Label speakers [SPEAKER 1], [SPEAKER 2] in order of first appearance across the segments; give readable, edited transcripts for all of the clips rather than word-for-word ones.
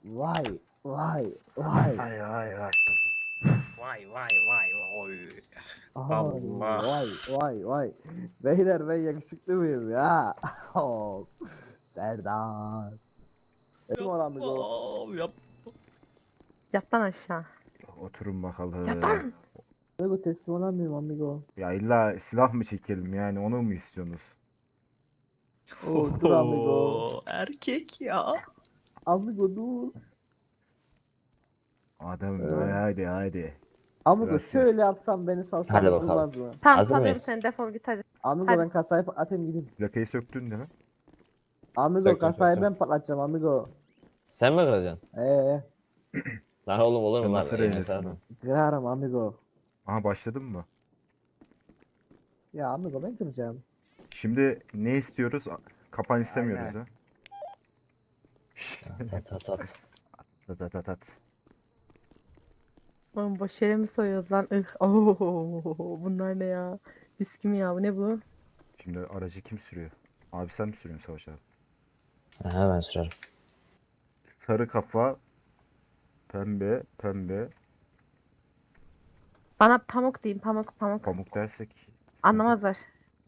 [SPEAKER 1] Vay vay vay.
[SPEAKER 2] Ay ay ay.
[SPEAKER 3] Vay vay vay vay.
[SPEAKER 1] Ay,
[SPEAKER 3] Allah.
[SPEAKER 1] vay vay vay. Beyler ben yakışıklı mıyım ya? Oh, Serdar. Kim olan bir o?
[SPEAKER 3] Yap.
[SPEAKER 4] Yat lan aşağı.
[SPEAKER 2] Oturun bakalım.
[SPEAKER 4] Yat lan.
[SPEAKER 1] Amigo teslim olan mıyım amigo?
[SPEAKER 2] Ya illa silah mı çekelim yani onu mu istiyorsunuz?
[SPEAKER 1] Oo, dur amigo.
[SPEAKER 3] Erkek ya.
[SPEAKER 1] Amigo dur.
[SPEAKER 2] Adem
[SPEAKER 1] Evet.
[SPEAKER 2] hadi hadi.
[SPEAKER 1] Amigo
[SPEAKER 2] Gracias.
[SPEAKER 1] şöyle yapsam beni salsan
[SPEAKER 5] Hadi bakalım.
[SPEAKER 1] olmaz mı?
[SPEAKER 4] Tamam
[SPEAKER 5] Hazır
[SPEAKER 4] salıyorum
[SPEAKER 5] mıyız?
[SPEAKER 4] seni, defol git hadi.
[SPEAKER 1] Amigo
[SPEAKER 4] Hadi.
[SPEAKER 1] ben kasayı patlatayım gideyim.
[SPEAKER 2] Plakayı söktün değil mi?
[SPEAKER 1] Amigo
[SPEAKER 5] Söktüm,
[SPEAKER 1] kasayı
[SPEAKER 5] söktüm.
[SPEAKER 1] ben patlatacağım amigo.
[SPEAKER 5] Sen mi kıracaksın? Lan oğlum olur mu lan?
[SPEAKER 2] Nasıl
[SPEAKER 5] Eline
[SPEAKER 2] reynesin
[SPEAKER 5] sağlık.
[SPEAKER 2] lan?
[SPEAKER 1] Kırarım amigo.
[SPEAKER 2] Aha başladın mı?
[SPEAKER 1] Ya amigo ben kıracağım.
[SPEAKER 2] Şimdi ne istiyoruz? Kapan istemiyoruz ha.
[SPEAKER 5] Tat tat tat.
[SPEAKER 2] Tat tat tat tat.
[SPEAKER 4] Oğlum boş yere mi soyuyoruz lan? Oo, bunlar ne ya? Viski mi ya? Bu ne bu?
[SPEAKER 2] Şimdi aracı kim sürüyor? Abi sen mi sürüyorsun Savaş abi?
[SPEAKER 5] Aha ben sürerim.
[SPEAKER 2] Sarı kafa, pembe, pembe,
[SPEAKER 4] Bana pamuk deyin, pamuk pamuk.
[SPEAKER 2] pamuk dersek.
[SPEAKER 4] Anlamazlar.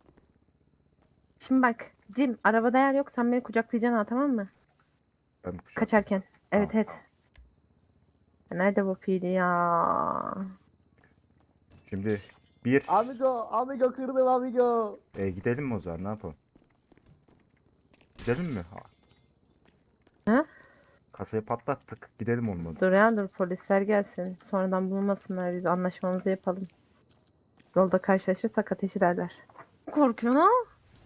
[SPEAKER 4] Şimdi bak Cim, arabada yer yok, sen beni kucaklayacaksın ha, tamam mı?
[SPEAKER 2] Ben mi kuşak?
[SPEAKER 4] Kaçarken. Evet
[SPEAKER 2] Tamam.
[SPEAKER 4] evet. Nerede bu pili ya?
[SPEAKER 2] Şimdi bir
[SPEAKER 1] Amigo kırdım amigo.
[SPEAKER 2] gidelim mi o zaman ne yapalım? Gidelim mi?
[SPEAKER 4] He?
[SPEAKER 2] Kasayı patlattık. Gidelim olmadı.
[SPEAKER 4] Dur ya, dur polisler gelsin. Sonradan bulmasınlar, biz anlaşmamızı yapalım. Yolda karşılaşırsak ateş ederler. Korkuyorsun ha?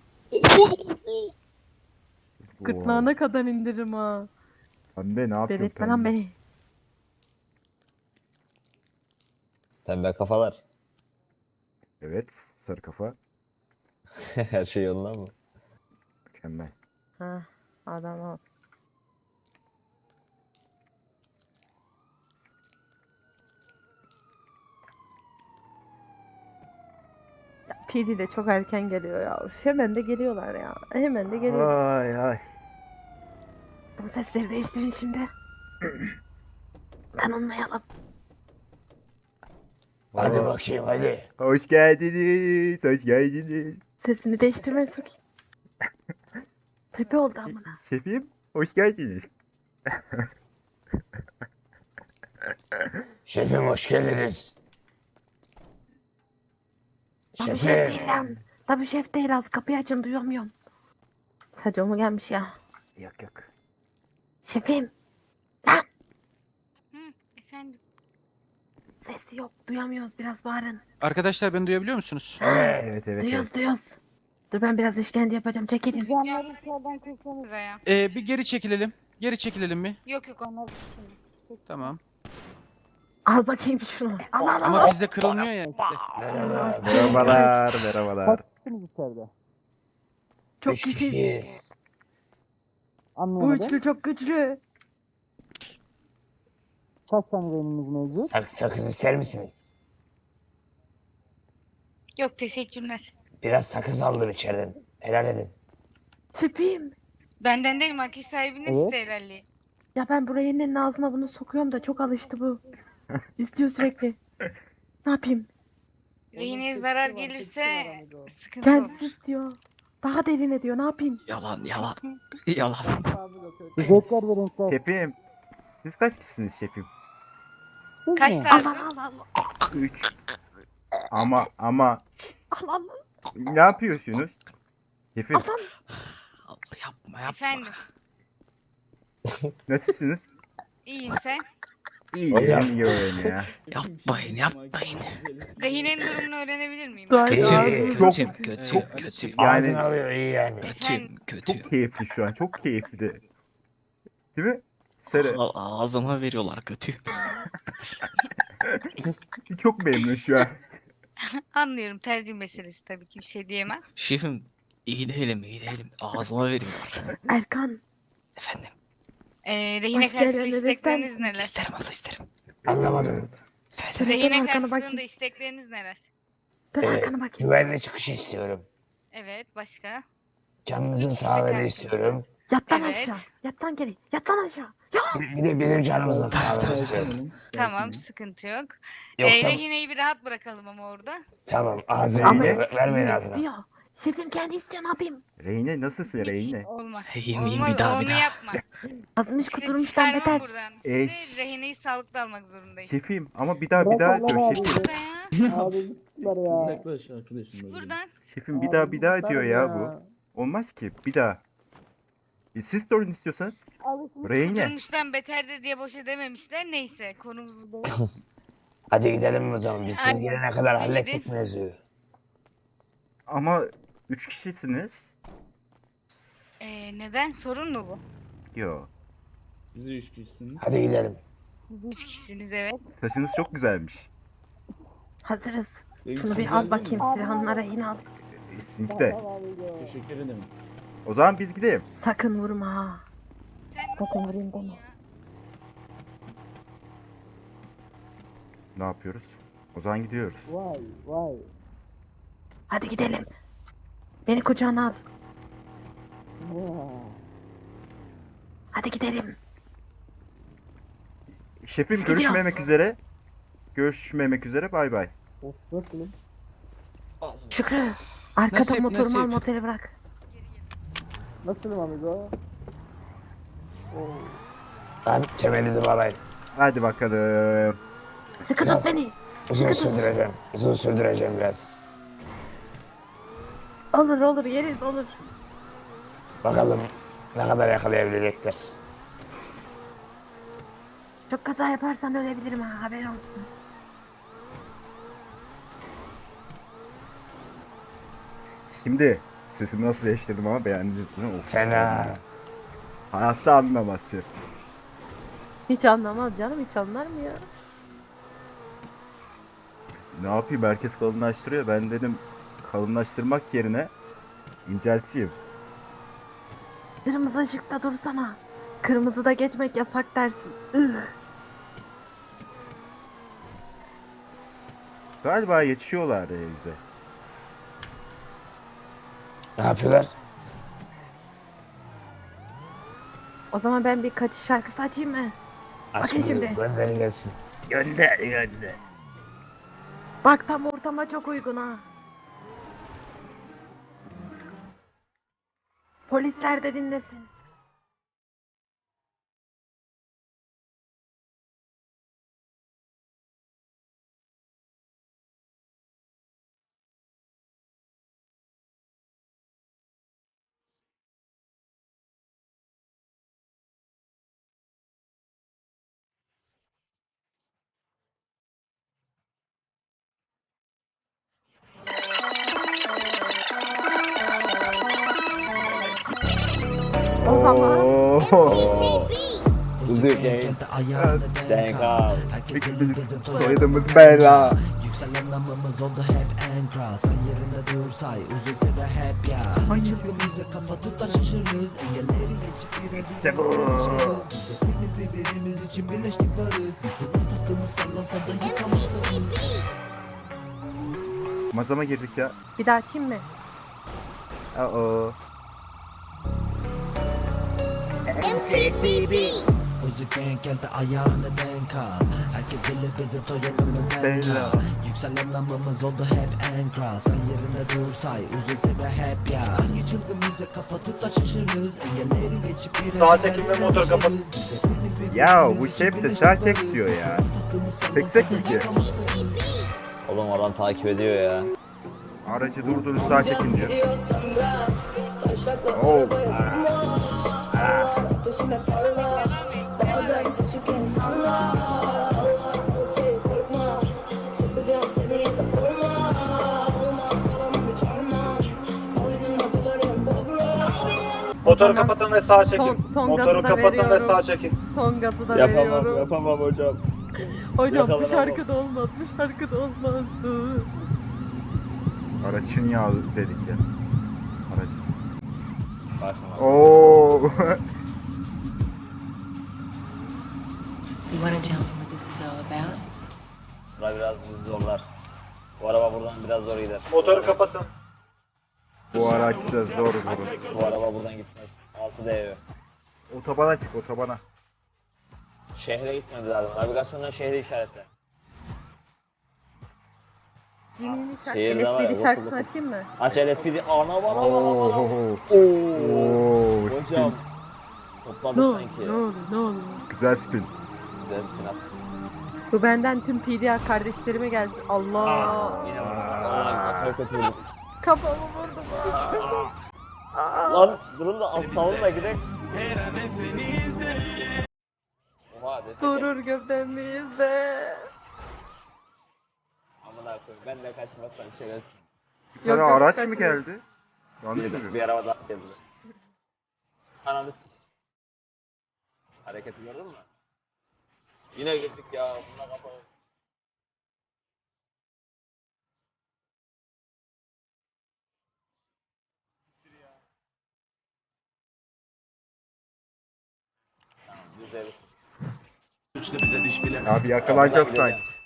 [SPEAKER 4] Gırtlağına kadar indiririm ha.
[SPEAKER 2] Pembe ne yapıyorsun
[SPEAKER 4] Delirtme lan
[SPEAKER 2] pembe?
[SPEAKER 4] beni.
[SPEAKER 5] Pembe kafalar.
[SPEAKER 2] Evet sarı kafa.
[SPEAKER 5] Her şey yolunda mı?
[SPEAKER 2] Mükemmel.
[SPEAKER 4] Ha, adam ol. Ya, PD de çok erken geliyor ya. Üf, hemen de geliyorlar ya. Hemen de geliyorlar.
[SPEAKER 2] Ay ay.
[SPEAKER 4] Bu sesleri değiştirin şimdi. Tanınmayalım.
[SPEAKER 5] Hadi
[SPEAKER 2] Aa,
[SPEAKER 5] bakayım hadi.
[SPEAKER 2] Hoş geldiniz. Hoş geldiniz.
[SPEAKER 4] Sesini değiştirmeye sokayım. Pepe oldu amına.
[SPEAKER 2] Şefim hoş geldiniz.
[SPEAKER 5] Şefim hoş geldiniz.
[SPEAKER 4] Lan bu şef değil lan. Tabii şef değil, az kapıyı açın, duyamıyorum. Sadece o mu gelmiş ya?
[SPEAKER 2] Yak yak.
[SPEAKER 4] Şefim.
[SPEAKER 6] Efendim.
[SPEAKER 4] Sesi yok, duyamıyoruz, biraz bağırın.
[SPEAKER 7] Arkadaşlar beni duyabiliyor musunuz?
[SPEAKER 2] Evet evet.
[SPEAKER 4] Duyuyoruz duyuyoruz. Dur ben biraz işkence yapacağım, çekilin.
[SPEAKER 6] Camları içeriden kırsanıza ya.
[SPEAKER 7] Bir geri çekilelim. Geri çekilelim mi?
[SPEAKER 6] Yok yok onlar.
[SPEAKER 7] Tamam.
[SPEAKER 4] Al bakayım şunu. Al al al.
[SPEAKER 7] Ama bizde kırılmıyor ya işte.
[SPEAKER 2] Merhabalar merhabalar.
[SPEAKER 1] Kaçtınız içeride?
[SPEAKER 4] Çok
[SPEAKER 5] Üç
[SPEAKER 4] güçlüyüz.
[SPEAKER 5] kişiyiz.
[SPEAKER 4] Bu
[SPEAKER 1] Anlayamadım.
[SPEAKER 4] üçlü çok güçlü.
[SPEAKER 1] Kaç tane beynimiz mevcut?
[SPEAKER 5] Sakız ister misiniz?
[SPEAKER 6] Yok teşekkürler.
[SPEAKER 5] Biraz sakız aldım içeriden. Helal edin.
[SPEAKER 4] Şefim.
[SPEAKER 6] Benden değil market sahibinin
[SPEAKER 1] Evet.
[SPEAKER 6] evet. helalliği.
[SPEAKER 4] Ya ben buraya elinin ağzına bunu sokuyorum da çok alıştı bu. İstiyor sürekli. Ne yapayım?
[SPEAKER 6] Rehineye zarar gelirse sıkıntı
[SPEAKER 4] Kendisi
[SPEAKER 6] olur.
[SPEAKER 4] istiyor. Daha derine diyor, ne yapayım?
[SPEAKER 3] Yalan yalan. Yalan.
[SPEAKER 1] Zevkler ve renkler.
[SPEAKER 2] Şefim. Siz kaç kişisiniz şefim?
[SPEAKER 6] Kaç
[SPEAKER 4] Al
[SPEAKER 6] lazım?
[SPEAKER 4] al al al.
[SPEAKER 2] 3. Ama
[SPEAKER 4] Al al.
[SPEAKER 2] ne yapıyorsunuz? Şefim
[SPEAKER 4] Al al.
[SPEAKER 3] Allah yapma yapma.
[SPEAKER 6] Efendim.
[SPEAKER 2] nasılsınız?
[SPEAKER 6] İyiyim sen.
[SPEAKER 2] İyi
[SPEAKER 5] Hocam.
[SPEAKER 2] benim iyi olayım ya.
[SPEAKER 3] Yapmayın yapmayın.
[SPEAKER 6] Rehinenin durumunu öğrenebilir miyim?
[SPEAKER 4] Dua
[SPEAKER 5] Kötü,
[SPEAKER 4] et,
[SPEAKER 2] Çok-
[SPEAKER 4] ağzını
[SPEAKER 2] çok-
[SPEAKER 4] sık.
[SPEAKER 3] Kötü.
[SPEAKER 5] Ağzını
[SPEAKER 2] Yani
[SPEAKER 5] alıyor iyi yani.
[SPEAKER 6] Efendim.
[SPEAKER 3] Kötü.
[SPEAKER 2] çok keyifli şu an. Çok keyifli. Değil mi? Sarı.
[SPEAKER 3] Ağzıma veriyorlar kötü.
[SPEAKER 2] Çok memnun şu an.
[SPEAKER 6] Anlıyorum, tercih meselesi tabii ki bir şey diyemem.
[SPEAKER 3] Şefim iyi değilim. Ağzıma veriyorlar.
[SPEAKER 4] Erkan.
[SPEAKER 3] Efendim.
[SPEAKER 6] Rehine
[SPEAKER 4] Başka
[SPEAKER 6] karşılığı
[SPEAKER 4] yerlere ister
[SPEAKER 6] istekleriniz
[SPEAKER 4] misin?
[SPEAKER 6] neler?
[SPEAKER 3] İsterim abla isterim.
[SPEAKER 5] Anlamadım.
[SPEAKER 3] Evet
[SPEAKER 4] Dur,
[SPEAKER 3] evet.
[SPEAKER 4] dur,
[SPEAKER 6] Rehine
[SPEAKER 4] arkana
[SPEAKER 6] karşılığında
[SPEAKER 4] bakayım.
[SPEAKER 6] istekleriniz neler?
[SPEAKER 4] Dur
[SPEAKER 5] Ee,
[SPEAKER 4] arkana bakayım.
[SPEAKER 5] Güvenli çıkış istiyorum.
[SPEAKER 6] Evet, başka?
[SPEAKER 5] Canınızın
[SPEAKER 6] İkisi de
[SPEAKER 5] sağlığını
[SPEAKER 6] karşınızda.
[SPEAKER 5] istiyorum.
[SPEAKER 4] Yat lan
[SPEAKER 6] Evet.
[SPEAKER 4] aşağı. Yat lan geri. Yat lan aşağı. Ya.
[SPEAKER 5] Bir de bizim canımızla sağlamak istiyorum.
[SPEAKER 6] Tamam, sıkıntı yok.
[SPEAKER 5] Yoksa
[SPEAKER 6] Rehineyi bir rahat bırakalım ama orada.
[SPEAKER 5] tamam
[SPEAKER 4] Ama
[SPEAKER 5] ağzını vermeyin ağzına.
[SPEAKER 4] istiyor. Şefim kendi istiyor ne yapayım?
[SPEAKER 2] Reyne nasılsın
[SPEAKER 6] Hiç
[SPEAKER 2] Reyne?
[SPEAKER 6] olmaz.
[SPEAKER 3] Yemeyeyim,
[SPEAKER 6] Olmaz,
[SPEAKER 3] bir daha, bir
[SPEAKER 6] onu
[SPEAKER 3] daha.
[SPEAKER 6] yapma.
[SPEAKER 4] Azmış
[SPEAKER 6] Sizi
[SPEAKER 4] kuturmuştan
[SPEAKER 6] çıkarmam
[SPEAKER 4] beter.
[SPEAKER 6] buradan.
[SPEAKER 2] E,
[SPEAKER 6] Sizi rehineyi sağlıklı almak zorundayım.
[SPEAKER 2] Şefim ama bir daha diyor şefim.
[SPEAKER 6] Burada ya.
[SPEAKER 1] Abi bittiler ya.
[SPEAKER 6] Çık buradan.
[SPEAKER 2] Şefim bir daha diyor ya bu. Olmaz ki bir daha. Siz sorun istiyorsanız. Reyne.
[SPEAKER 6] Durmuştan beterdir diye boşa dememişler. Neyse konumuz bu.
[SPEAKER 5] Hadi gidelim o zaman. Biz siz
[SPEAKER 6] Hadi.
[SPEAKER 5] gelene kadar
[SPEAKER 6] Hadi
[SPEAKER 5] hallettik
[SPEAKER 6] gidin.
[SPEAKER 5] mevzuyu.
[SPEAKER 2] Ama 3 kişisiniz.
[SPEAKER 6] Neden? Sorun mu bu?
[SPEAKER 2] Yo.
[SPEAKER 5] Hadi gidelim.
[SPEAKER 6] 3 kişisiniz evet.
[SPEAKER 2] Saçınız çok güzelmiş.
[SPEAKER 4] Hazırız. Şunu bir al bakayım silahını rehin al.
[SPEAKER 2] Sizinki de. O zaman biz gidelim.
[SPEAKER 4] Sakın vurma ha.
[SPEAKER 6] Sen
[SPEAKER 4] Bakın
[SPEAKER 6] nasıl
[SPEAKER 4] vurayım
[SPEAKER 6] varsın
[SPEAKER 4] deme.
[SPEAKER 6] ya?
[SPEAKER 2] Ne yapıyoruz? O zaman gidiyoruz.
[SPEAKER 1] Vay vay.
[SPEAKER 4] Hadi gidelim. Beni kucağına al. Hadi gidelim.
[SPEAKER 2] Şefim
[SPEAKER 4] Biz
[SPEAKER 2] görüşmemek
[SPEAKER 4] gidiyoruz.
[SPEAKER 2] üzere. Görüşmemek üzere bay bay.
[SPEAKER 1] Of nasılım?
[SPEAKER 4] Şükrü. Arkada
[SPEAKER 7] Nasip,
[SPEAKER 4] motorumu al
[SPEAKER 7] nasip.
[SPEAKER 4] motele bırak.
[SPEAKER 1] Nasılım amigo?
[SPEAKER 5] Lan kemerinizi bağlayın.
[SPEAKER 2] Hadi bakalım.
[SPEAKER 4] Sıkı
[SPEAKER 5] Biraz-
[SPEAKER 4] tut beni.
[SPEAKER 5] Uzun
[SPEAKER 4] Sıkı tut.
[SPEAKER 5] sürdüreceğim. Uzun sürdüreceğim biraz.
[SPEAKER 4] Olur olur yeriz olur.
[SPEAKER 5] Bakalım ne kadar yakalayabilecekler.
[SPEAKER 4] Çok kaza yaparsan ölebilirim ha haberin olsun.
[SPEAKER 2] Şimdi sesimi nasıl değiştirdim ama beğendiniz değil mi? Of.
[SPEAKER 5] Fena.
[SPEAKER 2] Hayatta anlamaz şef.
[SPEAKER 4] Hiç anlamaz canım hiç anlar mı ya?
[SPEAKER 2] Ne yapayım herkes kalınlaştırıyor. Ben dedim kalınlaştırmak yerine incelteyim.
[SPEAKER 4] Kırmızı ışıkta dursana. Kırmızıda geçmek yasak dersin. Ih.
[SPEAKER 2] Galiba yetişiyorlar bize.
[SPEAKER 5] Ne yapıyorlar?
[SPEAKER 4] O zaman ben bir kaçış şarkısı açayım mı?
[SPEAKER 5] Aç
[SPEAKER 4] Bakın
[SPEAKER 5] bunu,
[SPEAKER 4] şimdi.
[SPEAKER 5] gönderin gelsin.
[SPEAKER 2] Gönder gönder.
[SPEAKER 4] Bak tam ortama çok uygun ha. Polisler de dinlesin. O zaman
[SPEAKER 2] Oo.
[SPEAKER 5] Kuzu game. Denk al.
[SPEAKER 2] Biz soyadımız Bella.
[SPEAKER 8] Yükselenmemiz oldu hep en kral. Sen yerinde dursay üzülse de hep ya. Çılgımızı kapatıp da şaşırırız. Engelleri geçip
[SPEAKER 2] İşte bu.
[SPEAKER 8] Hepimiz birbirimiz için birleştik varız. Yıkılmış sattığımız sallasa da yıkamazsınız.
[SPEAKER 2] Mazama girdik ya.
[SPEAKER 4] bir daha açayım mı?
[SPEAKER 2] Oo.
[SPEAKER 8] Özüken kente ayağını denk al. Herkes bilir bizim soyadımız Bella.
[SPEAKER 2] Bella.
[SPEAKER 8] Yükselen namımız oldu hep en kral. Sen yerinde dursay üzülse de hep ya. Hangi çılgımızı kapatıp da şaşırırız. Engelleri geçip bir
[SPEAKER 5] Sağ çekim ve motor kapat.
[SPEAKER 2] Ya bu şef de sağ çek diyor ya. Çeksek mi ki?
[SPEAKER 5] Oğlum adam takip ediyor ya.
[SPEAKER 2] Aracı durdurun sağ çekin diyor. Oo.
[SPEAKER 6] Devam et.
[SPEAKER 9] Motoru kapatın ve sağa çekin.
[SPEAKER 4] Son
[SPEAKER 9] Motoru
[SPEAKER 4] gazı da
[SPEAKER 9] kapatın ve
[SPEAKER 4] veriyorum.
[SPEAKER 9] sağa çekin.
[SPEAKER 4] Son gazı da
[SPEAKER 5] Yapamam,
[SPEAKER 4] veriyorum.
[SPEAKER 5] yapamam hocam.
[SPEAKER 4] Hocam bu
[SPEAKER 5] Yakalanamam.
[SPEAKER 4] şarkıda olmaz. Bu şarkıda olmaz.
[SPEAKER 2] Aracın yağı dedik ya. Aracın.
[SPEAKER 5] Başlama.
[SPEAKER 2] Oo.
[SPEAKER 10] You want to tell me what this is all about?
[SPEAKER 5] Bura biraz bizi zorlar. Bu araba buradan biraz zor gider.
[SPEAKER 9] Motoru kapatın.
[SPEAKER 2] Bu araçta zor vurur.
[SPEAKER 5] Bu araba buradan gitmez. Altı değiyor.
[SPEAKER 2] Otobana çık otobana.
[SPEAKER 5] Şehre gitmemiz lazım. Navigasyondan şehri işaretle.
[SPEAKER 4] Jimmy'nin
[SPEAKER 5] Şehirde var ya,
[SPEAKER 4] LSPD şarkısını
[SPEAKER 5] dokuz.
[SPEAKER 4] açayım mı?
[SPEAKER 5] Aç LSPD. Ana bana bana bana.
[SPEAKER 2] Oo,
[SPEAKER 5] Ooo.
[SPEAKER 2] spin.
[SPEAKER 5] Hocam. Topladık sanki.
[SPEAKER 4] Ne olur.
[SPEAKER 2] Güzel spin.
[SPEAKER 5] Güzel spin at.
[SPEAKER 4] Bu benden tüm PDA kardeşlerime gelsin. Allah.
[SPEAKER 5] Yine vurdum. Aa, kafayı kötü vurdum.
[SPEAKER 4] Kafamı vurdum.
[SPEAKER 5] Lan durun da alt salonla gidelim. Oha destek.
[SPEAKER 4] Durur göbeğimizde.
[SPEAKER 5] Amına koyayım. Ben de kaçmazsam şerefsiz.
[SPEAKER 2] Bir tane
[SPEAKER 4] Yok, yok,
[SPEAKER 2] araç mı
[SPEAKER 4] kaçırdım.
[SPEAKER 2] geldi? Yanlış
[SPEAKER 5] Bir
[SPEAKER 2] mı?
[SPEAKER 5] araba daha geldi. Ananı s***. Hareketi gördün mü? Yine gittik ya. Bununla kapalı. Tamam, güzel.
[SPEAKER 2] Abi yakalanacağız
[SPEAKER 5] Buradan
[SPEAKER 2] sanki.
[SPEAKER 5] gideceğim.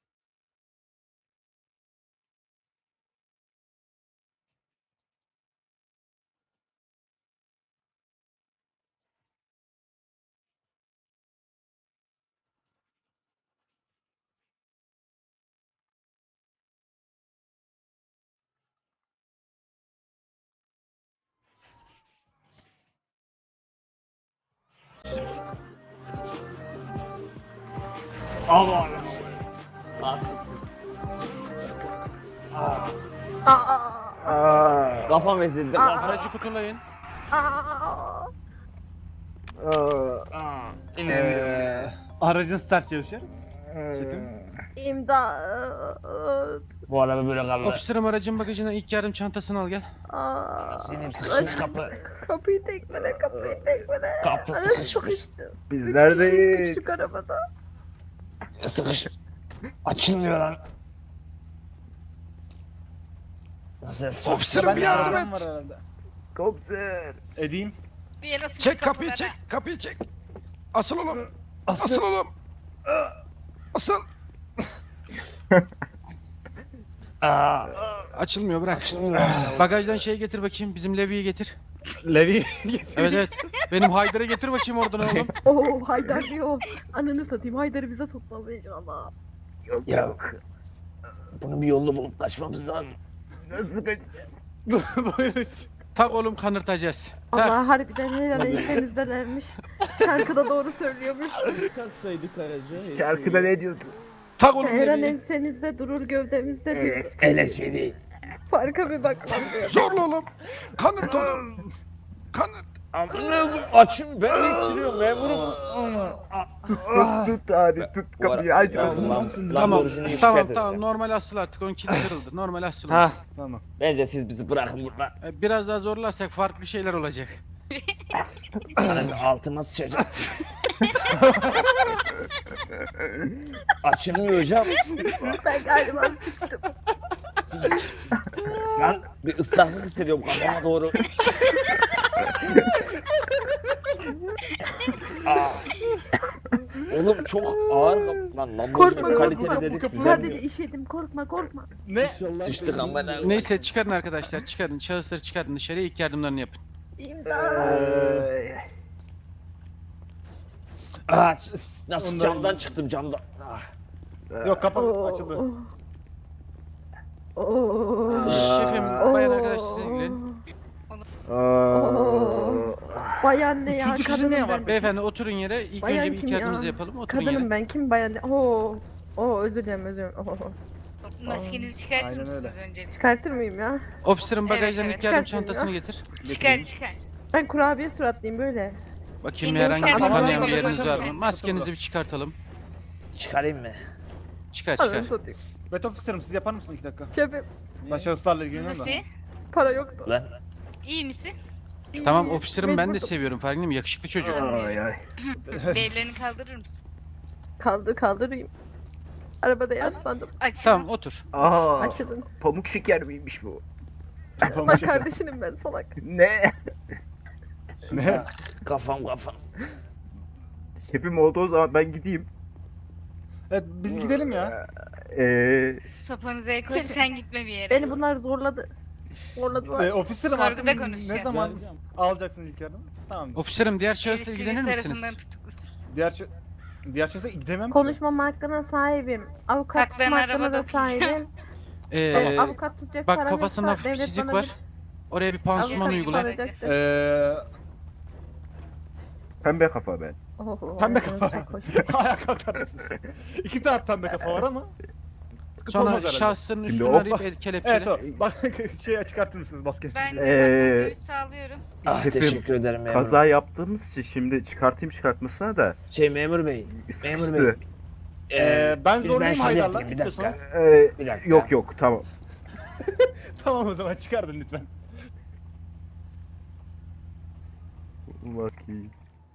[SPEAKER 5] Allah Allah. Kafam ezildi. Kafam.
[SPEAKER 7] Aracı kutulayın.
[SPEAKER 9] Aracın start çalışıyoruz. Şefim.
[SPEAKER 4] İmdat.
[SPEAKER 5] Bu araba böyle kaldı.
[SPEAKER 7] Ofisirim aracın bagajından ilk yardım çantasını al gel.
[SPEAKER 5] Senin sıkışmış kapı.
[SPEAKER 4] Kapıyı tekmele.
[SPEAKER 5] Kapı
[SPEAKER 4] Ana
[SPEAKER 5] sıkışmış.
[SPEAKER 4] sıkıştım.
[SPEAKER 2] Biz
[SPEAKER 4] Üç
[SPEAKER 2] neredeyiz?
[SPEAKER 4] kişiyiz küçük arabada.
[SPEAKER 5] Sıkış. Açılmıyor lan. Nasıl
[SPEAKER 7] Ofisirim bir yardım et.
[SPEAKER 9] Var herhalde.
[SPEAKER 2] Komiser.
[SPEAKER 9] Edeyim.
[SPEAKER 6] Bir yere atın
[SPEAKER 7] Çek
[SPEAKER 6] şu
[SPEAKER 7] kapıyı
[SPEAKER 6] kapıları.
[SPEAKER 7] çek. Kapıyı çek. Asıl oğlum. Asıl oğlum. Asıl. Açılmıyor bırak. Bagajdan şey getir bakayım. Bizim Levi'yi getir.
[SPEAKER 9] Levi.
[SPEAKER 7] Evet evet. Benim Haydar'ı getir bakayım oradan oğlum.
[SPEAKER 4] Oo Haydar diyor. Ananı satayım Haydar'ı bize sokmalı inşallah.
[SPEAKER 5] Yok. Bunun bir yolunu bulup kaçmamız lazım.
[SPEAKER 9] Buyurun.
[SPEAKER 7] Tak oğlum kanırtacağız. Tak.
[SPEAKER 4] Allah harbiden her an ensemizdelermiş. Şarkıda doğru söylüyormuş.
[SPEAKER 2] Şarkıda ne diyordu?
[SPEAKER 7] Tak oğlum
[SPEAKER 4] Her an
[SPEAKER 7] Levi'yi.
[SPEAKER 4] ensenizde durur gövdemizde diyor.
[SPEAKER 5] LSPD.
[SPEAKER 4] Farka bir bakmam diyor.
[SPEAKER 7] Zorla oğlum. Kanırt oğlum. Kanırt.
[SPEAKER 5] Açın ben ittiriyorum memurum.
[SPEAKER 2] Tut abi tut kapıyı aç.
[SPEAKER 7] Tamam normal asıl artık 10 kilo kırıldı. Normal asıl.
[SPEAKER 9] Ha tamam.
[SPEAKER 5] Bence siz bizi bırakın burada.
[SPEAKER 7] Biraz daha zorlarsak farklı şeyler olacak.
[SPEAKER 5] Sana bir altıma sıçacak. Açılmıyor hocam.
[SPEAKER 4] Ben galiba sıçtım.
[SPEAKER 5] Lan bir ıslaklık hissediyorum kafama doğru. Oğlum çok ağır lan Lamborghini kaliteli dedik güzel
[SPEAKER 4] Sadece
[SPEAKER 5] mi?
[SPEAKER 4] işedim korkma.
[SPEAKER 9] Ne?
[SPEAKER 5] Sıçtık ama ne?
[SPEAKER 7] Neyse çıkarın arkadaşlar çıkarın. Şahısları çıkarın dışarıya ilk yardımlarını yapın.
[SPEAKER 4] İmdat.
[SPEAKER 5] Nasıl camdan çıktım camdan.
[SPEAKER 9] Yok kapalı açıldı.
[SPEAKER 7] Şefim bayan arkadaşlar siz ilgilenin.
[SPEAKER 4] Bayan ne ya?
[SPEAKER 9] Üçüncü kişi
[SPEAKER 4] Kadınım
[SPEAKER 9] ne var?
[SPEAKER 4] ben.
[SPEAKER 7] Beyefendi oturun yere. İlk
[SPEAKER 4] Bayan
[SPEAKER 7] önce bir ilk
[SPEAKER 4] kim ya?
[SPEAKER 7] yardımınızı yapalım. Oturun
[SPEAKER 4] Kadınım
[SPEAKER 7] yere.
[SPEAKER 4] ben kim bayan ne? Özür dilerim.
[SPEAKER 6] Maskenizi çıkartır
[SPEAKER 9] Aynen
[SPEAKER 6] mısınız öncelikle?
[SPEAKER 4] Çıkartır mıyım ya?
[SPEAKER 7] Ofisirin
[SPEAKER 6] Evet,
[SPEAKER 7] bagajdan
[SPEAKER 6] evet.
[SPEAKER 7] ilk yardım
[SPEAKER 4] Çıkartın
[SPEAKER 7] çantasını
[SPEAKER 4] ya.
[SPEAKER 7] getir.
[SPEAKER 6] Çıkar.
[SPEAKER 4] Ben kurabiye suratlıyım böyle.
[SPEAKER 7] Bakayım
[SPEAKER 6] Kim
[SPEAKER 7] herhangi bir
[SPEAKER 6] çıkartın?
[SPEAKER 7] tanıyan bir
[SPEAKER 6] Tamam,
[SPEAKER 7] yeriniz var
[SPEAKER 6] tamam.
[SPEAKER 7] mı? Maskenizi bir çıkartalım.
[SPEAKER 5] Çıkarayım mı?
[SPEAKER 7] Çıkar
[SPEAKER 4] Ananı
[SPEAKER 7] çıkar.
[SPEAKER 4] satayım.
[SPEAKER 9] Bet officer'ım siz yapar mısınız 2 dakika?
[SPEAKER 4] Şefim
[SPEAKER 9] Ben şahıslarla ilgileniyorum da.
[SPEAKER 6] Nasıl?
[SPEAKER 4] para yoktu.
[SPEAKER 5] Lan
[SPEAKER 6] İyi misin?
[SPEAKER 7] Tamam ofisirim ben de
[SPEAKER 4] Mecburdum.
[SPEAKER 7] seviyorum farkındayım yakışıklı çocuk.
[SPEAKER 2] Ay ay.
[SPEAKER 6] Bir ellerini kaldırır mısın?
[SPEAKER 4] Kaldırayım. Arabada yaslandım.
[SPEAKER 6] Açın.
[SPEAKER 7] Tamam otur.
[SPEAKER 2] Aa,
[SPEAKER 4] Açılın.
[SPEAKER 2] pamuk şeker miymiş bu?
[SPEAKER 4] Bak kardeşinim ben salak.
[SPEAKER 2] Ne?
[SPEAKER 9] Ne?
[SPEAKER 5] kafam.
[SPEAKER 2] Şefim olduğu zaman ben gideyim.
[SPEAKER 9] Evet biz gidelim ya.
[SPEAKER 2] Ee,
[SPEAKER 6] Sopanızı el koyup
[SPEAKER 4] Şefim,
[SPEAKER 6] sen gitme bir yere.
[SPEAKER 4] Beni bunlar zorladı. Orada
[SPEAKER 9] Ofiserim
[SPEAKER 6] Sorguda
[SPEAKER 9] artık ne
[SPEAKER 6] konuşacağız.
[SPEAKER 9] zaman alacaksınız ilk yardım? Tamam.
[SPEAKER 7] Ofiserim diğer şahısla
[SPEAKER 6] Yetkili
[SPEAKER 7] ilgilenir misiniz?
[SPEAKER 6] tarafından tutuklusun.
[SPEAKER 9] Diğer şahsa gidemem ki.
[SPEAKER 4] konuşmama hakkına sahibim. Avukat tutma
[SPEAKER 6] Haklarını
[SPEAKER 4] hakkına
[SPEAKER 6] arabada
[SPEAKER 4] da sahibim. Avukat tutacak
[SPEAKER 7] Bak
[SPEAKER 4] param
[SPEAKER 7] kafasında
[SPEAKER 4] yoksa
[SPEAKER 7] hafif
[SPEAKER 4] devlet
[SPEAKER 7] çizik
[SPEAKER 4] bana
[SPEAKER 7] var.
[SPEAKER 4] bir
[SPEAKER 7] Oraya bir pansuman
[SPEAKER 6] Avukat
[SPEAKER 7] uygula.
[SPEAKER 6] soracaktır.
[SPEAKER 2] Pembe kafa ben.
[SPEAKER 4] Oho,
[SPEAKER 9] Pembe
[SPEAKER 4] ağzınız
[SPEAKER 9] kafa.
[SPEAKER 4] sarhoş.
[SPEAKER 9] Ayağa kalkar mısınız? 2 tane pembe kafa var ama. Sıkıntı
[SPEAKER 7] Sonra
[SPEAKER 9] olmaz herhalde.
[SPEAKER 7] şahsın
[SPEAKER 2] Şimdi
[SPEAKER 7] üstünü
[SPEAKER 2] o-
[SPEAKER 7] arayıp kelepçele.
[SPEAKER 9] Evet o. Bak şeye çıkartır mısınız basketi?
[SPEAKER 6] Ben de
[SPEAKER 2] Ee,
[SPEAKER 6] görüş sağlıyorum.
[SPEAKER 2] Şefim,
[SPEAKER 8] ederim memur.
[SPEAKER 2] kaza yaptığımız için şimdi çıkartayım çıkartmasına da
[SPEAKER 8] Memur bey.
[SPEAKER 2] sıkıştı.
[SPEAKER 9] Ben zorlayayım Haydar'la istiyorsanız.
[SPEAKER 8] Bir dakika.
[SPEAKER 2] Yok tamam.
[SPEAKER 9] Tamam o zaman çıkardın lütfen.
[SPEAKER 2] Maskeyi.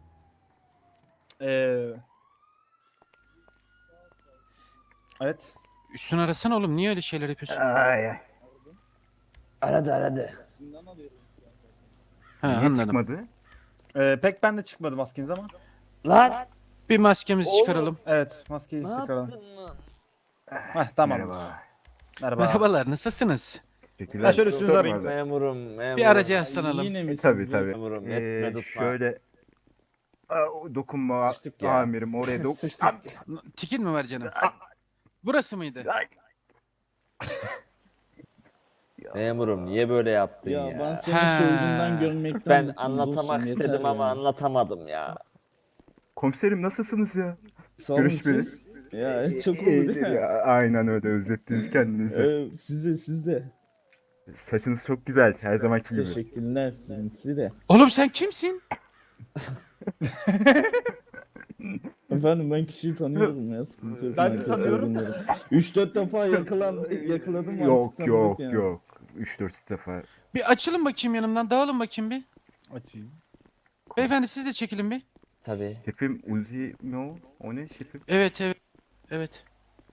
[SPEAKER 9] Evet.
[SPEAKER 7] Üstünü arasana oğlum. Niye öyle şeyler yapıyorsun?
[SPEAKER 2] Ay.
[SPEAKER 8] Aradı.
[SPEAKER 7] Ha,
[SPEAKER 2] Niye
[SPEAKER 7] anladım.
[SPEAKER 2] çıkmadı?
[SPEAKER 9] Pek ben de çıkmadı maskeniz ama.
[SPEAKER 8] Lan.
[SPEAKER 7] Bir maskemizi çıkaralım.
[SPEAKER 9] Evet maskeyi çıkaralım.
[SPEAKER 8] lan?
[SPEAKER 9] Heh tamam.
[SPEAKER 2] Merhaba.
[SPEAKER 9] Merhaba.
[SPEAKER 7] Merhabalar, nasılsınız?
[SPEAKER 2] Teşekkürler.
[SPEAKER 9] Ha, şöyle üstünüzü arayayım.
[SPEAKER 8] Memurum.
[SPEAKER 7] Bir aracı yaslanalım.
[SPEAKER 2] Tabii.
[SPEAKER 8] Memurum, etme tutma.
[SPEAKER 2] Şöyle dokunma
[SPEAKER 8] Sıçtık ya.
[SPEAKER 2] amirim oraya
[SPEAKER 8] Sıçtık.
[SPEAKER 7] Tikin mi var canım? Burası mıydı?
[SPEAKER 8] Memurum niye böyle yaptın ya?
[SPEAKER 11] Ben seni
[SPEAKER 7] Ha.
[SPEAKER 11] soygundan görmekten
[SPEAKER 8] Ben
[SPEAKER 11] mutluyum
[SPEAKER 8] anlatmak
[SPEAKER 11] dostum,
[SPEAKER 8] istedim
[SPEAKER 11] yeter
[SPEAKER 8] ama
[SPEAKER 11] ya.
[SPEAKER 8] anlatamadım ya.
[SPEAKER 2] Komiserim nasılsınız ya?
[SPEAKER 11] Sağ olun
[SPEAKER 2] Görüşmeli.
[SPEAKER 11] siz. Ya çok oldu
[SPEAKER 2] İyidir
[SPEAKER 11] değil mi?
[SPEAKER 2] ya, aynen öyle özlettiniz kendinizi.
[SPEAKER 11] Size.
[SPEAKER 2] Saçınız çok güzel her zamanki gibi.
[SPEAKER 11] Teşekkürler size de.
[SPEAKER 7] Oğlum sen kimsin?
[SPEAKER 11] Efendim ben kişiyi tanıyorum ya sıkıntı yok.
[SPEAKER 9] Ben de
[SPEAKER 11] Herkes
[SPEAKER 9] tanıyorum.
[SPEAKER 11] tanıyorum. 3-4 defa yakaladım
[SPEAKER 2] Yok
[SPEAKER 11] artık tanıdık ya.
[SPEAKER 2] yok. 3-4 defa.
[SPEAKER 7] Bir açılın bakayım yanımdan. Dağılın bakayım bir.
[SPEAKER 9] Açayım.
[SPEAKER 7] Beyefendi siz de çekilin bir.
[SPEAKER 8] Tabii.
[SPEAKER 2] Şefim Uzi mi o? O ne şefim?
[SPEAKER 7] Evet.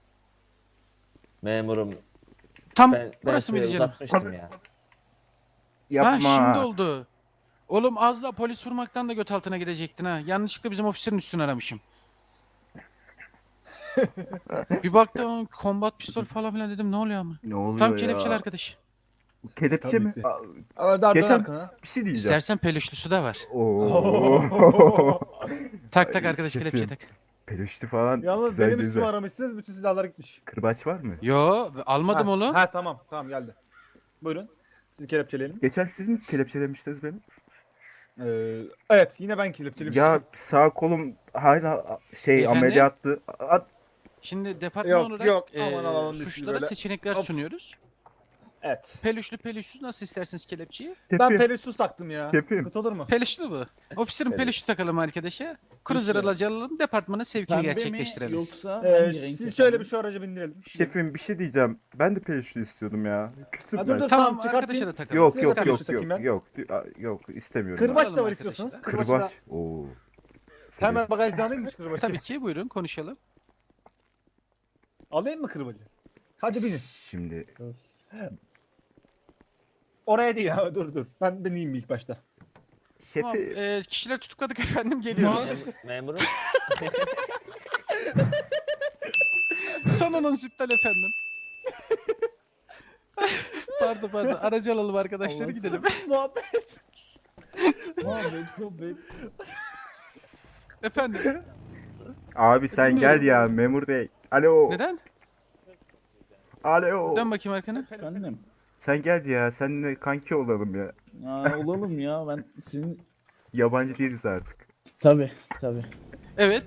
[SPEAKER 8] Memurum
[SPEAKER 7] Tam
[SPEAKER 8] ben
[SPEAKER 7] burası
[SPEAKER 8] size
[SPEAKER 7] mıydı canım?
[SPEAKER 8] uzatmıştım ya.
[SPEAKER 2] Yapma.
[SPEAKER 7] Ha şimdi oldu. Oğlum az daha polis vurmaktan da göt altına gidecektin ha. Yanlışlıkla bizim ofiserin üstünü aramışım. Bir baktım kombat pistol falan filan dedim ne oluyor ama.
[SPEAKER 2] Ne oluyor
[SPEAKER 7] Tam
[SPEAKER 2] ya?
[SPEAKER 7] kelepçeli arkadaş.
[SPEAKER 2] Kelepçe
[SPEAKER 9] Tabii
[SPEAKER 2] mi?
[SPEAKER 9] ki.
[SPEAKER 2] Aa, geçen bir şey diyeceğim.
[SPEAKER 7] İstersen peluşlusu da var.
[SPEAKER 2] Oo.
[SPEAKER 7] Tak tak
[SPEAKER 2] Ay,
[SPEAKER 7] arkadaş
[SPEAKER 2] şefim.
[SPEAKER 7] kelepçe tak.
[SPEAKER 2] Peluşlu falan
[SPEAKER 9] Yalnız
[SPEAKER 2] güzel
[SPEAKER 9] benim üstümü
[SPEAKER 2] güzel.
[SPEAKER 9] aramışsınız bütün silahlar gitmiş.
[SPEAKER 2] Kırbaç var mı?
[SPEAKER 7] Yo almadım oğlum.
[SPEAKER 9] Ha tamam geldi. Buyurun. Sizi kelepçeleyelim.
[SPEAKER 2] Geçen siz mi kelepçelemiştiniz beni?
[SPEAKER 9] Evet yine ben kelepçelemiştim.
[SPEAKER 2] Ya sağ kolum hala
[SPEAKER 7] Beyefendi?
[SPEAKER 2] ameliyattı.
[SPEAKER 7] Şimdi departman
[SPEAKER 9] Yok,
[SPEAKER 7] olarak
[SPEAKER 9] yok, aman alalım biz
[SPEAKER 7] suçlara
[SPEAKER 9] böyle.
[SPEAKER 7] seçenekler
[SPEAKER 9] Hop.
[SPEAKER 7] sunuyoruz.
[SPEAKER 9] Evet.
[SPEAKER 7] Peluşlu peluşsuz nasıl isterseniz kelepçeyi?
[SPEAKER 9] Ben peluşsuz taktım ya.
[SPEAKER 2] Şefim.
[SPEAKER 9] Sıkıntı olur mu?
[SPEAKER 7] Peluşlu bu. Ofiserin
[SPEAKER 2] Evet.
[SPEAKER 7] peluşu takalım arkadaşa. Cruiser
[SPEAKER 11] Peki.
[SPEAKER 7] aracı alalım departmana sevkini
[SPEAKER 11] Pembe mi
[SPEAKER 7] gerçekleştirelim.
[SPEAKER 11] yoksa hangi renk
[SPEAKER 9] Siz şöyle
[SPEAKER 11] efendim?
[SPEAKER 9] bir şu araca bindirelim.
[SPEAKER 2] Şefim bir şey diyeceğim. Ben de peluşlu istiyordum ya. Küstüm
[SPEAKER 9] Ha,
[SPEAKER 2] ben.
[SPEAKER 9] dur,
[SPEAKER 7] Tamam
[SPEAKER 9] Tamam, çıkartayım.
[SPEAKER 7] arkadaşa da takalım.
[SPEAKER 2] Yok
[SPEAKER 9] Size
[SPEAKER 2] yok
[SPEAKER 9] peluşlu
[SPEAKER 2] yok
[SPEAKER 9] takayım ben.
[SPEAKER 2] yok istemiyorum.
[SPEAKER 9] Kırbaç
[SPEAKER 7] Alalım
[SPEAKER 9] da var
[SPEAKER 7] arkadaşlar.
[SPEAKER 9] istiyorsanız.
[SPEAKER 2] Kırbaç.
[SPEAKER 9] Kırbaç da.
[SPEAKER 2] Oo.
[SPEAKER 9] Hemen bagajdan alayım mı kırbacı?
[SPEAKER 7] Tabii ki buyurun konuşalım.
[SPEAKER 9] Alayım mı kırbacı? Hadi binin.
[SPEAKER 2] Şimdi
[SPEAKER 9] Oraya değil ya dur. Ben ineyim ilk başta.
[SPEAKER 7] Tamam,
[SPEAKER 2] şefi
[SPEAKER 7] kişiler tutukladık efendim geliyoruz.
[SPEAKER 8] Memurum.
[SPEAKER 7] Son anons iptal efendim. Pardon aracı alalım arkadaşları
[SPEAKER 11] Allah
[SPEAKER 7] gidelim.
[SPEAKER 9] Muhabbet.
[SPEAKER 11] Sohbet.
[SPEAKER 7] Efendim
[SPEAKER 2] abi sen gel ya memur bey. Alo.
[SPEAKER 7] neden?
[SPEAKER 2] Alo.
[SPEAKER 7] Dön bakayım arkana.
[SPEAKER 11] Efendim.
[SPEAKER 2] Sen gel ya. Seninle kanki olalım ya.
[SPEAKER 11] Ya olalım ya ben senin...
[SPEAKER 2] Yabancı değiliz artık.
[SPEAKER 11] Tabii.
[SPEAKER 7] Evet.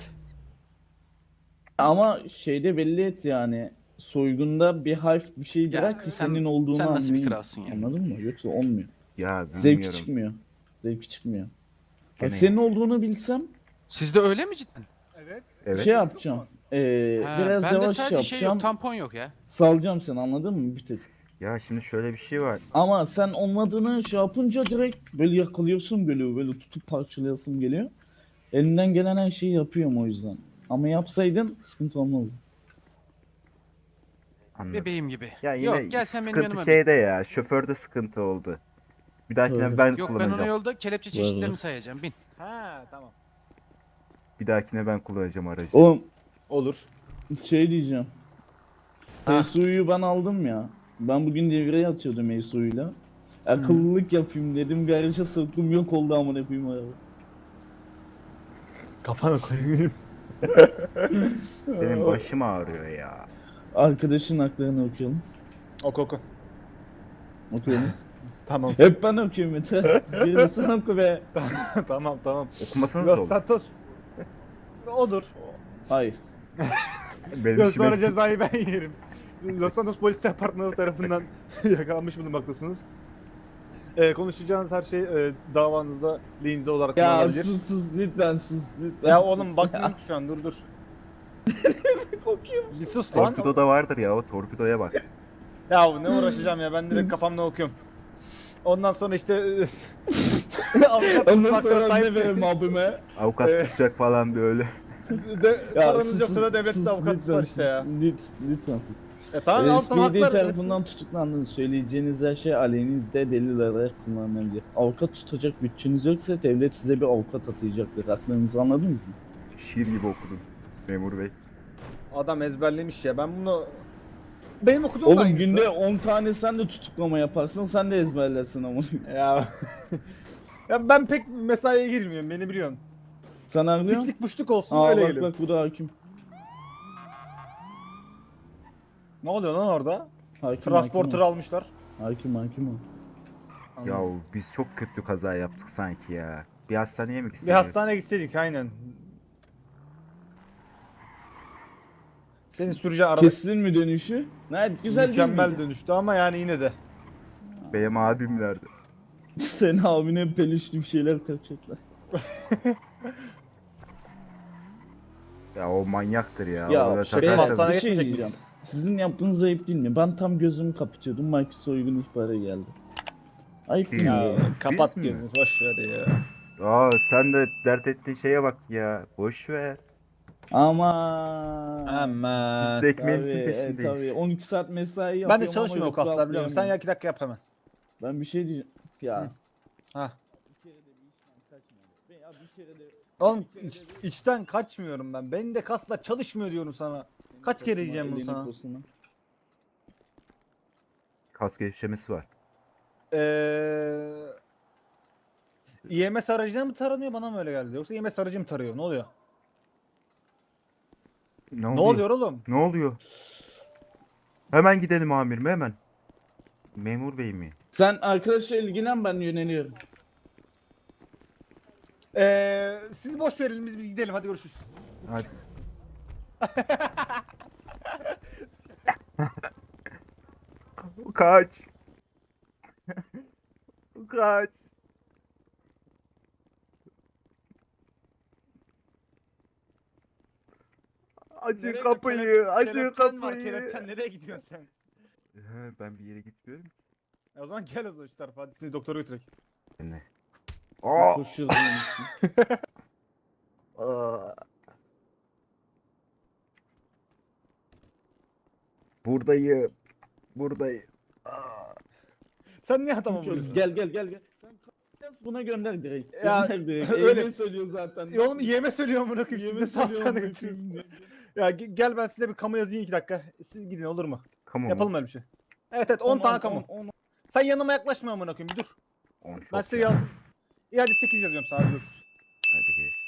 [SPEAKER 11] Ama şeyde belli et yani. Soygunda bir harf bir şey
[SPEAKER 7] Ya,
[SPEAKER 11] bırak ki
[SPEAKER 7] sen-
[SPEAKER 11] senin olduğunu
[SPEAKER 7] sen nasıl bir
[SPEAKER 11] anlayayım.
[SPEAKER 7] kralsın ya?
[SPEAKER 11] Anladın mı? Yoksa olmuyor.
[SPEAKER 2] Ya
[SPEAKER 11] Zevki
[SPEAKER 2] bilmiyorum.
[SPEAKER 11] çıkmıyor. Zevki çıkmıyor.
[SPEAKER 2] Gene
[SPEAKER 11] Bak senin olduğunu bilsem
[SPEAKER 7] Sizde öyle mi cidden?
[SPEAKER 9] Evet.
[SPEAKER 2] Evet.
[SPEAKER 11] şey yapacağım. Biraz
[SPEAKER 7] bende
[SPEAKER 11] yavaş
[SPEAKER 7] sadece şey
[SPEAKER 11] yapacağım.
[SPEAKER 7] yok tampon yok ya.
[SPEAKER 11] Salacağım seni anladın mı bir tık.
[SPEAKER 2] Ya şimdi şöyle bir şey var.
[SPEAKER 11] Ama sen olmadığını şey yapınca direkt böyle yakalıyorsun böyle tutup parçalayasın geliyor. Elinden gelen her şeyi yapıyorum o yüzden. Ama yapsaydın sıkıntı olmazdı.
[SPEAKER 2] Anladım.
[SPEAKER 7] Bebeğim gibi.
[SPEAKER 2] Ya yine
[SPEAKER 7] Yok gel sen benim
[SPEAKER 2] sıkıntı
[SPEAKER 7] yanıma.
[SPEAKER 2] şeyde ya. Şoförde sıkıntı oldu. Bir dahakine
[SPEAKER 11] Evet.
[SPEAKER 2] ben
[SPEAKER 7] Yok ben
[SPEAKER 2] kullanacağım.
[SPEAKER 7] ona yolda kelepçe
[SPEAKER 11] Var,
[SPEAKER 7] çeşitlerini
[SPEAKER 11] var.
[SPEAKER 7] sayacağım. Bin.
[SPEAKER 9] Ha tamam.
[SPEAKER 2] Bir dahakine ben kullanacağım aracı.
[SPEAKER 11] Oğlum
[SPEAKER 9] Olur.
[SPEAKER 11] şey diyeceğim.
[SPEAKER 9] Ha.
[SPEAKER 11] Suyu ben aldım ya. Ben bugün devreye atıyordum Esu'yla. Akıllılık yapayım dedim. Garaja soktum, yok oldu amına koyayım araba.
[SPEAKER 9] Kafana koyayım.
[SPEAKER 2] Benim başım ağrıyor ya.
[SPEAKER 11] Arkadaşın haklarını okuyalım.
[SPEAKER 9] Oku.
[SPEAKER 11] Okuyalım.
[SPEAKER 9] Tamam.
[SPEAKER 11] Hep ben okuyorum Mete. Birini sen oku be.
[SPEAKER 9] tamam.
[SPEAKER 2] Okumasanız da
[SPEAKER 9] Los
[SPEAKER 2] olur.
[SPEAKER 9] Santos. Olur.
[SPEAKER 11] Hayır.
[SPEAKER 2] Benim
[SPEAKER 9] Yok,
[SPEAKER 2] işime...
[SPEAKER 9] sonra cezayı ben yerim. Los Santos Polis Departmanı tarafından yakalanmış bulunmaktasınız. Konuşacağınız her şey davanızda lehinize olarak
[SPEAKER 11] Ya
[SPEAKER 9] kullanılabilir.
[SPEAKER 11] sus lütfen sus lütfen.
[SPEAKER 9] Ya
[SPEAKER 11] sus
[SPEAKER 9] oğlum bakmıyorum ki şu an, dur.
[SPEAKER 11] Kokuyor.
[SPEAKER 9] Bir sus lan.
[SPEAKER 2] Torpidoda vardır ya, o torpidoya bak.
[SPEAKER 9] Ya ne uğraşacağım ya, ben direkt kafamla okuyorum. Ondan sonra işte avukat
[SPEAKER 11] Ondan
[SPEAKER 9] tutmakta
[SPEAKER 11] sonra ne
[SPEAKER 9] sahipseniz
[SPEAKER 11] verim abime?
[SPEAKER 2] Avukat tutacak falan böyle.
[SPEAKER 9] paranız
[SPEAKER 11] sus,
[SPEAKER 9] yoksa da
[SPEAKER 11] sus,
[SPEAKER 9] devlet size
[SPEAKER 11] sus,
[SPEAKER 9] avukat
[SPEAKER 11] lütfen
[SPEAKER 9] tutar işte ya.
[SPEAKER 11] Lütfen sus.
[SPEAKER 9] Tamam al sana
[SPEAKER 11] SPD
[SPEAKER 9] haklar.
[SPEAKER 11] tarafından tutuklandınız. Söyleyeceğiniz her şey aleyhinizde delil olarak kullanılabilir. Avukat tutacak bütçeniz yoksa devlet size bir avukat atayacaktır. Haklarınızı anladınız mı?
[SPEAKER 2] Şiir gibi okudun memur bey.
[SPEAKER 9] Adam ezberlemiş ya, ben bunu... Benim okuduğum da
[SPEAKER 11] Oğlum
[SPEAKER 9] aynısı.
[SPEAKER 11] günde 10 tane sen de tutuklama yaparsın, sen de ezberlersin ama.
[SPEAKER 9] Ya... ya ben pek mesaiye girmiyorum, beni biliyorsun.
[SPEAKER 11] Sen anlıyor?
[SPEAKER 9] Piklik puşluk olsun
[SPEAKER 11] Aa
[SPEAKER 9] öyle
[SPEAKER 11] bak
[SPEAKER 9] geliyorum.
[SPEAKER 11] bak bu da hakim.
[SPEAKER 9] Ne oluyor lan orada?
[SPEAKER 11] Hakim
[SPEAKER 9] Transporter almışlar.
[SPEAKER 11] hakim o.
[SPEAKER 2] Ya biz çok kötü kaza yaptık sanki ya. Bir hastaneye mi gitsek?
[SPEAKER 9] Bir hastaneye gitseydik aynen. Senin süreceğin araba
[SPEAKER 11] Kestin mi dönüşü? Ne güzel
[SPEAKER 9] mükemmel
[SPEAKER 11] değil
[SPEAKER 9] dönüştü ama yani yine de.
[SPEAKER 2] Benim abim nerede?
[SPEAKER 11] mi? Sen abine peluşlu bir şeyler takacaklar.
[SPEAKER 2] Ya o manyaktır ya.
[SPEAKER 11] Ya
[SPEAKER 2] Orada
[SPEAKER 11] şey,
[SPEAKER 9] benim
[SPEAKER 2] takarsanız-
[SPEAKER 9] hastaneye
[SPEAKER 11] bir şey
[SPEAKER 9] geçmeyecek
[SPEAKER 11] diyeceğim.
[SPEAKER 9] miyiz?
[SPEAKER 11] Sizin yaptığınız ayıp değil mi? Ben tam gözümü kapatıyordum. Mike soygun ihbarı geldi. Ayıp değil mi?
[SPEAKER 2] Ya,
[SPEAKER 11] ya?
[SPEAKER 9] Kapat
[SPEAKER 2] mi?
[SPEAKER 9] gözünü, boş ver ya.
[SPEAKER 2] Aa sen de dert ettiğin şeye bak ya. Boş ver.
[SPEAKER 11] Ama.
[SPEAKER 9] Aman.
[SPEAKER 2] Biz de ekmeğimizin
[SPEAKER 11] Tabii,
[SPEAKER 2] peşindeyiz.
[SPEAKER 11] tabii. 12 saat mesai yapıyorum
[SPEAKER 9] Ben de
[SPEAKER 11] ama
[SPEAKER 9] çalışmıyorum o
[SPEAKER 11] yoksa
[SPEAKER 9] kaslar biliyor musun? Sen
[SPEAKER 11] atlayamıyorum.
[SPEAKER 9] ya 2 dakika yap hemen.
[SPEAKER 11] Ben bir şey diyeceğim. Ya.
[SPEAKER 9] Ha.
[SPEAKER 11] Bir kere de bir işten kaçmadım. Ya bir kere de...
[SPEAKER 9] Oğlum içten kaçmıyorum ben. Benim de kaslar çalışmıyor diyorum sana. Kaç kere diyeceğim bunu
[SPEAKER 11] Elini
[SPEAKER 9] sana?
[SPEAKER 11] posuna.
[SPEAKER 2] Kas gevşemesi var.
[SPEAKER 9] IMS aracına mı taranıyor, bana mı öyle geldi? Yoksa IMS aracı mı tarıyor? Ne oluyor?
[SPEAKER 2] Ne
[SPEAKER 9] Ne oluyor oğlum?
[SPEAKER 2] Ne oluyor? Hemen gidelim amirim hemen. Memur bey mi?
[SPEAKER 11] Sen arkadaşla ilgilen, ben yöneliyorum.
[SPEAKER 9] Siz boş verelim, biz gidelim, hadi görüşürüz.
[SPEAKER 2] Hadi. Kaç. Kaç. Açın kapıyı, açın
[SPEAKER 9] Kelepçen var,
[SPEAKER 2] kapıyı.
[SPEAKER 9] kelepçen, nereye gidiyorsun sen?
[SPEAKER 2] Ben bir yere gitmiyorum ki.
[SPEAKER 9] O zaman gel o zaman şu tarafa, hadi seni doktora götürek.
[SPEAKER 2] Ne? Aa!
[SPEAKER 11] Koşuyorum.
[SPEAKER 2] Aa! Buradayım. Buradayım. Aa!
[SPEAKER 9] Sen niye adama vuruyorsun?
[SPEAKER 11] Gel. Sen buna gönder direkt.
[SPEAKER 9] Ya,
[SPEAKER 11] Gönder direkt.
[SPEAKER 9] öyle.
[SPEAKER 11] Öyle söylüyor zaten.
[SPEAKER 9] Ya oğlum yeme söylüyorum bunu, siz
[SPEAKER 11] Yeme
[SPEAKER 9] de
[SPEAKER 11] söylüyor,
[SPEAKER 9] hastaneye
[SPEAKER 11] amına
[SPEAKER 9] götürüyorsun.
[SPEAKER 11] koyayım.
[SPEAKER 9] Ya gel ben size bir kamu yazayım 2 dakika. Siz gidin, olur mu?
[SPEAKER 2] Kamu mu?
[SPEAKER 9] Yapalım öyle bir şey. Evet 10 tane kamu. Sen yanıma yaklaşma amına koyayım, bir dur.
[SPEAKER 2] 10 çok
[SPEAKER 9] Ben size
[SPEAKER 2] ya.
[SPEAKER 9] yazdım. İyi hadi 8 yazıyorum sana, hadi görüşürüz.
[SPEAKER 2] Hadi geç.